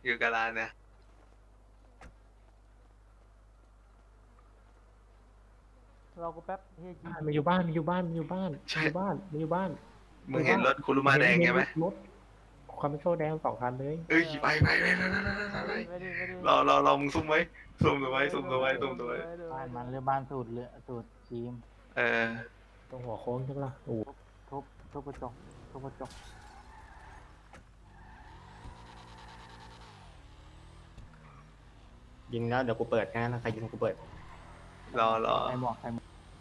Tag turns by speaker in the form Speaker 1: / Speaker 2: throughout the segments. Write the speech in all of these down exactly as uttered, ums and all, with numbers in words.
Speaker 1: อยู่กับร้านเนี่ย
Speaker 2: เราก็แป๊บเฮียจี
Speaker 3: มันอยู่บ้านมันอยู่บ้านมันอยู่บ้านมัน
Speaker 1: ใช่
Speaker 3: อยู่บ้านมันอยู่บ้าน
Speaker 1: มึงเห็นรถคุรุมาแดงไงไหม
Speaker 3: รถคอมมิโชแดงสองคันเลย
Speaker 1: เอ้ยไปไปไปไปไปไปไป
Speaker 2: ไม่ได้ไม่ได้
Speaker 1: รอรอรอมึงซุ่มไว้ซุ่มตัวไว้ซุ่มตัวไว้ซุ่มตัวไว้
Speaker 4: บ้านมันหรือบ้านสูตรเรือสูตรทีม
Speaker 1: เออ
Speaker 3: ตรงหัวโค้งใช่ปะล่ะโอ้โห
Speaker 4: ทุบทุบกระจกทุบกระจก
Speaker 5: ยิงแล้วเดี๋ยวกูเปิดงานนะใครยิงกูเปิด
Speaker 1: รอรอ
Speaker 4: ใครบอกใครบอก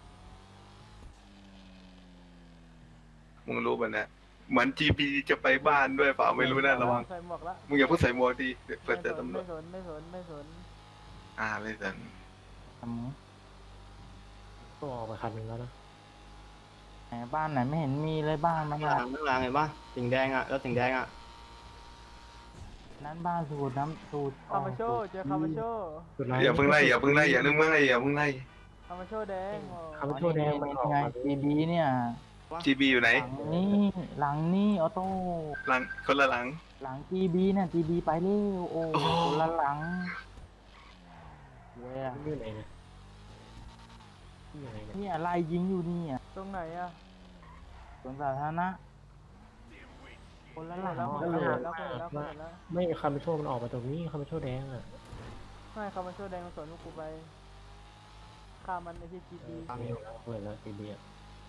Speaker 1: มึงรู้ป่ะเนี่ยเหมือน จี พี จะไปบ้านด้วยเปล่าไม่รู้นะระวัง
Speaker 2: ใส่หมวกละ
Speaker 1: มึงอย่าเพิ่งใส่หมวกดิเดี๋ยวเปิดเจอตำรว
Speaker 2: ไม่
Speaker 1: จ
Speaker 2: สนไม่สนไม่สน
Speaker 1: อ่าไม่สน
Speaker 4: ทำไง
Speaker 3: ต้องออกไปคันหนึ่งแล้วนะ
Speaker 4: ไหนบ้านไหนไม่เห็นมีเลยบ้านมัน
Speaker 5: ข้างห
Speaker 4: อะ
Speaker 5: ลังข้างหลังเห็นปะสีแดงอ่ะแล้วสีแดงอ่ะ
Speaker 4: นั้นบ้านสูตรน้ำสูตร
Speaker 2: คามาโชเจอคามาโช
Speaker 3: สุดท้าย
Speaker 1: อย่าเพิ่งไล่อย่าเพิ่งไล่อย่านึกมึงไล่อย่าเพิ่งไล่
Speaker 2: คามาโชแดง
Speaker 3: คอมมิโชแดงมันออก
Speaker 4: ไง
Speaker 3: มา
Speaker 4: จีบีเนี่ย
Speaker 1: จีบีอยู่ไหน
Speaker 4: หลังนี้หลังนี้ออโต้
Speaker 1: หลังคนละหลัง
Speaker 4: หลังจีบีเนี่ยจีบีไปเร็วโอ้
Speaker 1: โอ้
Speaker 4: คนละหลังเว้ย
Speaker 3: อยู่ไหนเนี่ยอยู่ไหนเนี่ย
Speaker 4: นี่อะไรยิงอยู่นี่อ่ะ
Speaker 2: ตรงไหนอะ
Speaker 4: สวนสาธารณะคนละหลัง
Speaker 2: แล้วคน
Speaker 4: เลย
Speaker 2: แล้วคนแล้วคนแล้ว
Speaker 3: ไม่คอมมิโชมันออกมาตรงนี้คอมมิโชแดงอ่ะ
Speaker 2: ไม่คามาโชแดงสวนลูกกูไปฆ่ามันไอ้ที่จีดี
Speaker 3: ไม่เอาแล้วเปิดแล้วทีเดียว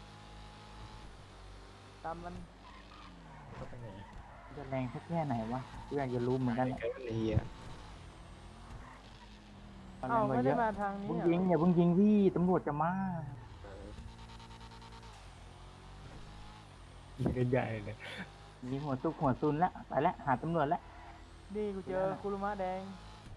Speaker 2: ตามมัน
Speaker 3: เข้าไปไหน
Speaker 4: จะแรงสักแค่ไหนวะกูอยากจะรู้เหมือนกัน
Speaker 5: ไอ้เหี้ย
Speaker 4: ตอน
Speaker 2: เอ้า
Speaker 4: แรก
Speaker 2: ไม่
Speaker 4: ก็เย
Speaker 2: ได้
Speaker 4: อะ
Speaker 2: มาทางนี้
Speaker 4: เพิ่ง
Speaker 2: อะ
Speaker 4: ยิงอย่าเพิ่งยิงพี่ตำรวจจะมา
Speaker 3: ยิงกันใหญ่เลย
Speaker 4: ยิงหัวซุกหัวซุนแล้วไปแล้วหาตำรวจแล้ว
Speaker 2: นี่กูเจอคุรุมะแดง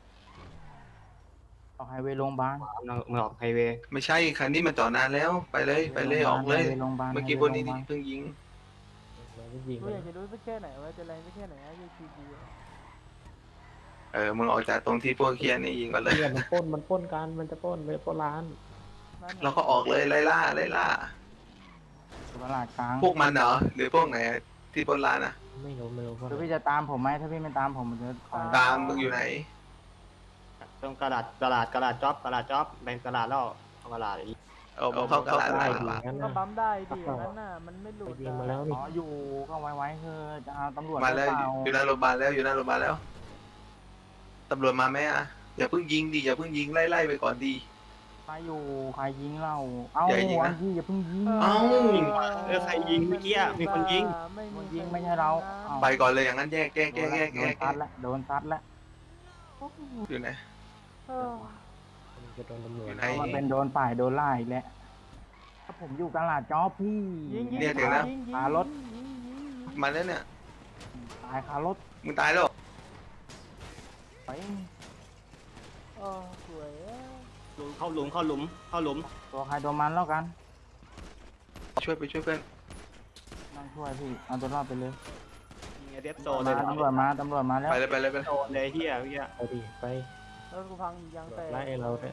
Speaker 4: ออกไฮเวย์โรงพยาบาล
Speaker 5: มึงออกไฮเวย์
Speaker 1: ไม่ใช่คันนี้มันจอดนานแล้วไปเลยไปเลยออกเลย
Speaker 4: ไฮวย์โรงพยาบาล
Speaker 1: เมื่อกี้
Speaker 4: ไฮ
Speaker 1: พ
Speaker 4: ว
Speaker 1: วก
Speaker 4: ย์
Speaker 1: นี้
Speaker 4: โรงพยาบาล
Speaker 1: เพิ่งยิง
Speaker 3: เราไม่ยิง
Speaker 2: กู
Speaker 3: กัน
Speaker 2: อยากจะรู้สักแค่ไหนว่าจะแรงสักแค่ไหนอะยี่จีดี
Speaker 1: เออมึงออกจากตรงที่พวกเคียนี่ยิงก่อนเลย
Speaker 3: เนี่ยมันปล้นมันปล้นกันมันจะปล้นเลยปล้นร้าน
Speaker 1: เราก็ออกเลยไล่ล่าไล่ล่า
Speaker 4: ตลาดกลาง
Speaker 1: พวกมันเหรอหรือพวกไหนที่บนร้านอ่ะ
Speaker 3: ไม่รู้ไม่รู้ว่า
Speaker 4: คือพี่จะตามผมไหมถ้าพี่ไม่ตามผมมันจะต่อย
Speaker 1: ตามมึงอยู่ไหน
Speaker 5: ตรงกระดาษกระดาษกระดาษจ็อบกระดาษจ็อบเป็นกระดาษแล้วเอากระดาษอีก
Speaker 1: เอามึงเข้ากระดาษ
Speaker 3: ได้
Speaker 1: มา
Speaker 3: ดีงั้น
Speaker 2: ก็
Speaker 3: นะ
Speaker 2: ปั๊มได้ดิอย่างนั้นน่ะมันไม่หลุ
Speaker 3: ไป
Speaker 2: ด
Speaker 3: ยิง
Speaker 2: อะ
Speaker 3: มาแล้วนี่
Speaker 4: อ๋ออยู่เข้าไว้ไว้คือจะเอาตำรวจ
Speaker 1: มาแล้ว
Speaker 4: หรือเปล่า
Speaker 1: อยู่หน้าโรงพยาบาลแล้วอยู่หน้าโรงพยาบาลแล้วตำรวจมาไหมอ่ะอย่าเพิ่งยิงดิอย่าเพิ่งยิงไล่ไล่ไปก่อนดี
Speaker 4: ใครอยู่ใครยิงเราเอ้า
Speaker 1: อย่ายิงนะ
Speaker 4: อันที่อย่าเพิ่งยิง
Speaker 1: เอ้า
Speaker 5: เออใครยิงเมื่อกี้อะมีคนยิง
Speaker 2: ไม่
Speaker 4: คน
Speaker 2: มี
Speaker 4: ยิงไม่ใช่เราเอ้า
Speaker 1: ไปก่อนเลยอย่างนั้นแยกแยกแยกแยก
Speaker 4: โด
Speaker 1: แย
Speaker 4: น
Speaker 1: ก
Speaker 4: ซัดแล้วโดนซัดแล้ว
Speaker 1: อยู่ไหน
Speaker 2: เออ
Speaker 3: มันจะโดนตำรวจ
Speaker 1: อยู่ไหน
Speaker 4: มันเป็นโดนฝ่ายโดนไล่อีกแล้วถ้าผมอยู่ตลาดจ๊อบพี่
Speaker 2: ยิงยิง
Speaker 1: เนี่ยถึงแล้ว
Speaker 2: ยิงยิง
Speaker 4: ตารถ
Speaker 2: ยิงยิงยิงยิง
Speaker 1: มาแล้วเนี่ย
Speaker 4: ตายคารถ
Speaker 1: มึงตายแล้ว
Speaker 4: ไป
Speaker 2: เออสวยอะ
Speaker 5: หลุมเข้าหลุมเข้าหลุมเข้าหลุม
Speaker 4: ตัวใครตัวมันแล้วกัน
Speaker 1: ช่วยไปช่วยเพื่อน
Speaker 4: ต้องช่วยพี่เอาตัวรอดไปเลย
Speaker 5: ยิงไอ้เดฟโซนเลย
Speaker 4: มาตำรวจมาตำรวจมาแล้ว
Speaker 1: ไปเลยไปเลยไปเลย
Speaker 5: โซนเลยเหี้ยเหี้ย
Speaker 3: ไปดิไป
Speaker 2: รถกูพังยางแตก
Speaker 3: ไล่เราเนี่ย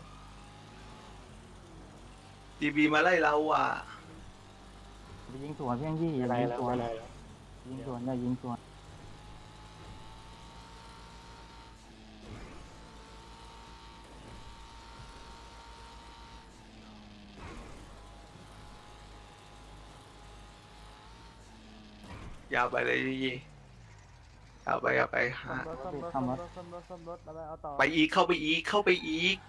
Speaker 1: จีบีมาไล่เราอ่ะ
Speaker 4: ไปยิงสวนเพียงยี่อย่า
Speaker 3: ไล่
Speaker 4: ยิง
Speaker 3: แล้ว
Speaker 4: สวน
Speaker 3: ไล่แล้ว
Speaker 4: ยิงสวนอย่ายิงสวน
Speaker 1: ยาวไปเลยยี่ยาวไปยาวไปฮะ
Speaker 2: รถซ่อมรถซ่อมรถซ่อมรถซ่อมรถแล้วไปเอาต่อ
Speaker 1: ไปอีกเข้าไปอีกเข้าไปอีก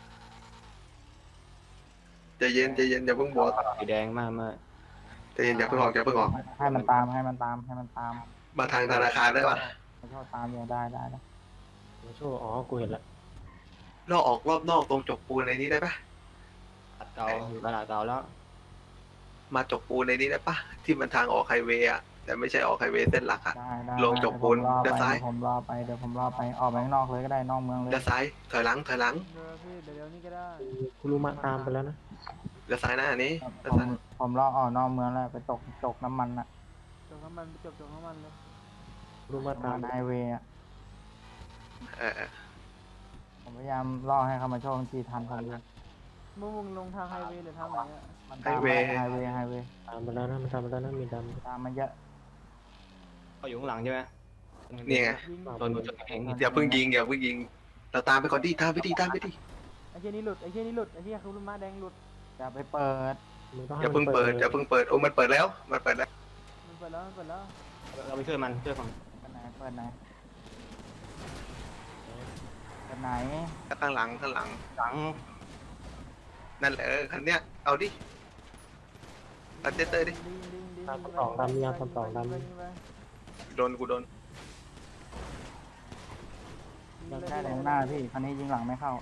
Speaker 1: ใจเย็นใจเย็นอย่าเพิ่งบวก
Speaker 5: สีแดงมากมาก
Speaker 1: ใจเย็นอย่าเพิ่งออกอย่าเพิ่งออก
Speaker 4: ให้มันตามให้มันตามให้มันตาม
Speaker 1: มาทางธนาคารได้ปะ
Speaker 4: ไม่ชอบตามอย่าได้ได้ได้
Speaker 3: มาช่วยอ๋อกูเห็นละ
Speaker 1: เราออกรอบนอกตรงจกปูนในนี้ได้ปะ
Speaker 5: กระดาษเก่าอยู่กระดาษเก่าแล้ว
Speaker 1: มาจกปูนในนี้ได้ปะที่มันทางออกไฮเวย์อะแต่ไม่ใช่ออกไฮเวย์เส้นหลักอะ
Speaker 4: ได้ได้
Speaker 1: ลงจบปูน
Speaker 4: เดี๋ยว
Speaker 1: ด้านซ้าย
Speaker 4: ผมรอไปเดี๋ยวผมรอไปออกไปข้างนอกเลยก็ได้นอกเมืองเลย
Speaker 1: เลี้ยวซ้ายถอยหลังถอยหลัง
Speaker 2: เดี๋ยวพี่เดี๋ยวเดี๋ยวนี้ก็ได้
Speaker 3: กูรู้มาตามไปแล้วนะ
Speaker 1: เลี้ยวซ้ายหน้าอันนี้เลี้ยว
Speaker 4: ผม
Speaker 1: ซ้าย
Speaker 4: ผมรอออกนอกเมืองแล้วไปตกตกน้ำมันอะ
Speaker 2: จบน้ำมันไปจบจบน้ำมันเลย
Speaker 3: กูรู้มาตาม
Speaker 4: ไฮเวย์อะ
Speaker 1: เออเออ
Speaker 4: ผมพยายามล่อให้เขามาโชว์ทีทันผมเลย
Speaker 2: มึงมึงลงทางไฮเวย์หรือทางไหนอะ
Speaker 4: มันตามมาไฮเวย์ไฮเวย์
Speaker 3: ตามไปแล้วนะมันตามไปแล้วนะมีดำ
Speaker 4: ตามมาเยอะ
Speaker 5: เขาอยู่ข้างหลังใช่ไหม
Speaker 1: นี่ไง
Speaker 2: ยิง
Speaker 5: โดนโดนจนแข็ง
Speaker 1: อย่าเพิ่งยิงอย่าเพิ่งยิง เราตามไปก่อนดิตามไปดิตามไปดิ
Speaker 2: ไอ้เหี้ยนี่หลุดไอ้เหี้ยนี่หลุดไอ้เหี้ยคือม้าแดงหลุด
Speaker 4: อย่าไปเปิด
Speaker 3: มึงต้อง
Speaker 1: อย่าเพิ่งเปิดอย่าเพิ่งเปิดโอ้มันเปิดแล้วมันเปิดแล้ว
Speaker 2: มันเปิดแล้วมันเปิดแล้ว
Speaker 5: เราไปช่วยมันช่วยฝั่ง
Speaker 4: เปิดไหนเปิดไหนเปิดไหน
Speaker 1: ข้างหลังข้างหลัง
Speaker 5: หลัง
Speaker 1: นั่นแหละเออคันเนี้ยเอาดิเอาเจเตอร์ดิ
Speaker 2: ยิงยิงยิงยิง
Speaker 3: ตามคำสองตามยามคำสองตาม
Speaker 2: ยิงไป
Speaker 1: โดนกูโดน
Speaker 2: ยิงไป
Speaker 4: ได้แรงหน้าพี่คันนี้ยิงหลังไม่เข้าร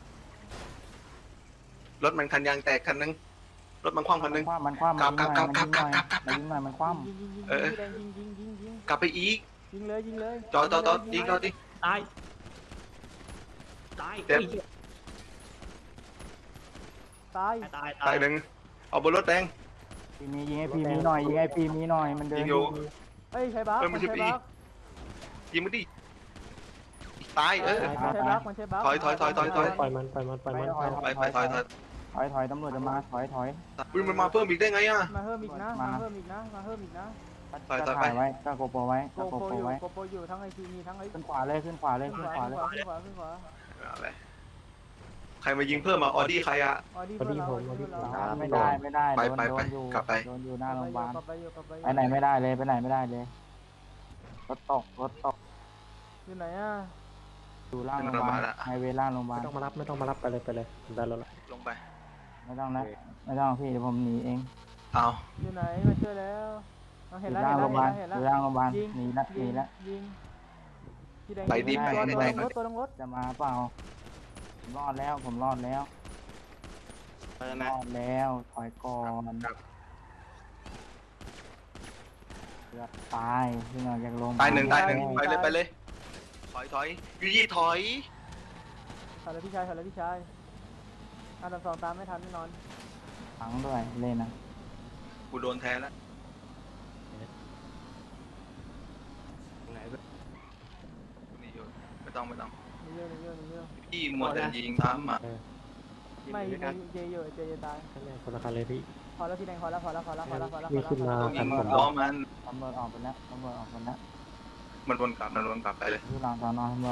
Speaker 1: ถมันคันยางแตกคันนึงรถมันคว่ำคันนึง
Speaker 4: คว้ามันคว้ามันยิงหน่อย
Speaker 1: กลับ
Speaker 4: มันยิงหน่อย
Speaker 1: กลับกลับกลับ
Speaker 4: มันยิงหน่อยมันคว้า
Speaker 2: ยิงยิงยิง
Speaker 1: เออ
Speaker 2: ยิงยิงยิงยิงยิง
Speaker 1: กลับไปอีก
Speaker 2: ยิงเลยยิงเลย
Speaker 1: จอดจอดจอดยิงจอดดิ
Speaker 5: ตายตาย
Speaker 1: เจ็บ
Speaker 2: ตาย
Speaker 5: ตาย
Speaker 1: ตายหนึ่งเอาบนรถแดง
Speaker 4: พี่มียิงไอพีมีหน่อยยิงไอพีมีหน่อยมันเดิน
Speaker 1: ยิงอยู่
Speaker 2: เฮ้ยใช้บัค
Speaker 1: เอ้ยไม่
Speaker 2: มัน
Speaker 1: ใช่
Speaker 2: ใช้
Speaker 1: ปี
Speaker 2: บัค
Speaker 1: ยิงมันดิตายเออ
Speaker 2: มันใช้บัคมันใช้บัค
Speaker 1: ถอยถอยถอยถอยถอย
Speaker 3: ปล่อยมันปล่อยมันปล่อยมัน
Speaker 1: ไปไปถอยถอย
Speaker 4: ถอยถอยตำรวจจะมาถอยถอย
Speaker 1: อุ้ยมันมาเพิ่มอีกได้ไงอ่ะ
Speaker 2: มาเพิ่มอีกนะ
Speaker 4: มา
Speaker 2: มาเพิ่มอีกนะมาเพิ่มอีกนะ
Speaker 1: ถอยถ
Speaker 4: ก็
Speaker 1: อยไป
Speaker 4: ถ่ายไว้ก็โกโปรไว้
Speaker 2: โก
Speaker 4: ก็โก
Speaker 2: โปร
Speaker 4: โปร
Speaker 2: อยู่
Speaker 4: ไว้
Speaker 2: โกโปรอยู่ทั้งไอทีมีทั้งไอ
Speaker 4: ขึ้นขวาเลยขึ้นขวาเลย
Speaker 2: ขึ้น
Speaker 4: ขึ้น
Speaker 2: ขวา
Speaker 4: ขวา
Speaker 2: ขึ้น
Speaker 4: เลย
Speaker 2: ขวาขึ้นขวาขึ้นขวา
Speaker 1: อะไรใครมายิงเพิ่มมาออดี้ใครอ่ะ
Speaker 2: ออดี้เพื่อนเราออดี้เพื่อนเรา
Speaker 4: ไม่ได้ไม่ได้
Speaker 1: ไป
Speaker 4: โดน
Speaker 1: ไป
Speaker 4: โด
Speaker 1: ไป
Speaker 4: นอยู่
Speaker 1: กลับไป
Speaker 4: โดนอยู่หน้าโรงพยาบาล
Speaker 2: กลับไปอยู่กลับไป
Speaker 4: ไปไหนไม่ได้เลยไปไหนไม่ได้เลยรถตกรถตก
Speaker 2: อยู่ไหนอ่ะ
Speaker 4: อยู่ล่างโรงพยาบาลไฮเวย์ล่างโรงพยาบา
Speaker 3: ไม่
Speaker 4: ล
Speaker 3: ต้องมารับไม่ต้องมารับไปเลยไปเลยได้แล้วละ
Speaker 1: ลงไป
Speaker 4: ไม่ต้องนะไม่ต้องพี่เดี๋ยวผมหนีเอง
Speaker 1: เอา
Speaker 2: อยู่ไหนมาช่วยแล้วเอา
Speaker 4: อ
Speaker 2: เห็น
Speaker 4: ยู่
Speaker 2: แล้ว
Speaker 4: ล่างโรงพยาบาล
Speaker 2: เห็น
Speaker 4: อ
Speaker 2: แล้ว
Speaker 4: ยู่ล่างโรงพยาบาล
Speaker 2: ยิง
Speaker 4: หนีละหนีละ
Speaker 2: ยิงพี่แดง
Speaker 1: ไปดิไป
Speaker 2: ตัว
Speaker 1: ให้
Speaker 2: ตัว
Speaker 1: ได้
Speaker 2: ลง
Speaker 1: ก่อน
Speaker 2: รถตัวลงรถ
Speaker 4: จะมาเปล่าผมรอดแล้วผมรอดแล้ว
Speaker 5: ไปเลยไหม
Speaker 4: รอดแล้วถอยก่อน
Speaker 1: ครับ
Speaker 4: เกือบตายที่เราอยากลง
Speaker 1: ตายหนึ่งตายหนึ่งไปเลยไปเลยถอยถอยยูยี่ถอย
Speaker 2: ถอยเลยพี่ชายถอยเลยพี่ชายอันดับสองตามไม่ทันแน่นอน
Speaker 4: ฝังด้วยเล่นนะ
Speaker 1: กูโดนแทนแล้ว
Speaker 5: ไหน
Speaker 1: นี่อยู่ไม่ต้องไม่ต้อง
Speaker 2: มีเยอะมีเยอะมีเยอะ
Speaker 1: พี่หมดแต่ยิงทำอ่ะ
Speaker 2: ไม่ไม่เจเยอะเจเยอะตาย
Speaker 3: ข้างในคนละคันเลยพี่
Speaker 2: พอแล้วพี่แดงพอแล้วพอแล้วพอแล้วพอแล้วพอแล้ว
Speaker 3: นี่ขึ้นมา
Speaker 1: ต้องยิ
Speaker 3: คั
Speaker 1: ง
Speaker 3: นผม
Speaker 1: ล้อมัน
Speaker 4: ตำรวจออกไปแล้วตำรวจออกไปแล้ว
Speaker 1: มันวนกลับมันวนกลับไปเลย
Speaker 4: ที่หลังสอนอตำรวจ